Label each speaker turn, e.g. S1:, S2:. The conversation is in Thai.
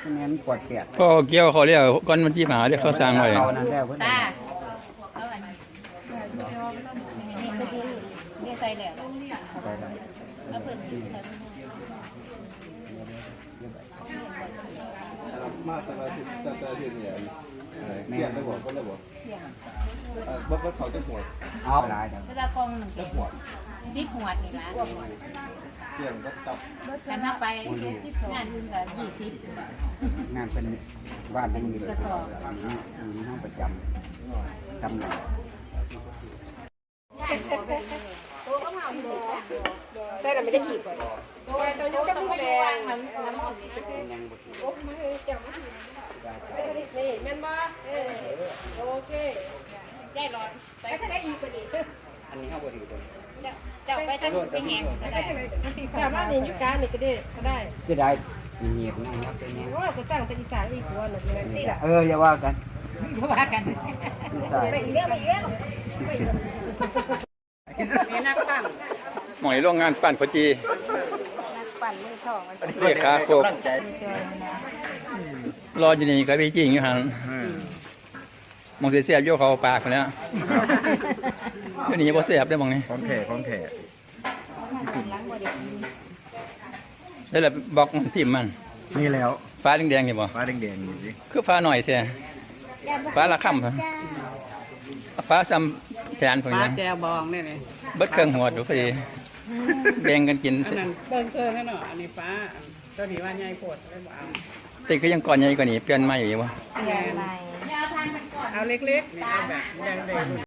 S1: นี่มันปวดเปียก
S2: พ่อเกี่ยวเขาเรียกก้อนมันที่หาเรียกเขาสร้างไว้
S1: เขานั่นแล้วเพิ่น
S3: ตาเอาอันนี้นี่ใส่แล้ว
S1: ไปได้
S3: แล้วเพิ่น
S4: มาแต่ละที่เนี่ยเกี่ยงได้บ่ก็ได้บ่บ่เขาจะหัว
S1: เอาหลายจัง
S3: เวลากองหนึ่งเต็ม10หัวนี่ล่ะ
S4: เกี่ยงก็ตับ
S3: แต่ถ้าไปงานอื่นก็20
S1: งานเป็นบ้านเป็นอยู่ในห้องประจำตำแหน่ง
S5: แต่เราไม่ได้ขีดก่อนตัวนี้ก็ต้องแดงมันโอ้มาเฮ้ยเจ้ามานี่แม่นบ่โอเคยายหลอดไปก็ได้อีกก็ดี
S1: อันนี้เขาบริสุทธิ์
S3: เจ้าไปทั้งไปแหงก็ได้
S5: แต่ว่านี่ยุการนี่ก็ได้ก็ได้
S1: จะได้มีเงียบนะครับเป็นเงี้ย
S5: เพราะว่าก็ตั้งเป็นอีสานอีกตัวหนึ่งเลย
S1: อย่าว่ากัน
S3: อย่าว่ากัน
S5: ไปเรื่องไปเรื่อง
S2: หมอยโรงงานปั่นพอจี
S5: ปั่นมือช่อง
S2: เรียกขาโคกรออยู่นี่ก็ไปจริงอยู่ห่างมองเสียบโยกเขาปากแล้วเดี๋ยวนี้บ่เสียบได้มองนี่
S4: ของแท้
S2: แล้วแหละบอกพิมพ์มัน
S4: นี่แล้ว
S2: ฟ้าแดงๆนี่บ่
S4: ฟ้าแดงๆนี่สิ
S2: คือฟ้าหน่อยแท้ฟ้าละค่ำฟ้าซ้ำแขนผมยัง
S6: แจวบองเนี่ยเลย
S2: เบิดเครื่องหัวดูพอดีแบ่งกันกิน
S6: อันนั้นเบิ่งเครื่องให้หน่อยอันนี้ฟ้าตัวนี้ว่าใหญ่โพดเลยบ่เอา
S2: ติก็ยังก่อนใหญ่กว่านี้เปลี่ยนใหม่อยู่วะ
S6: เอาเล็กๆนี่เอาแบบใหญ่เลย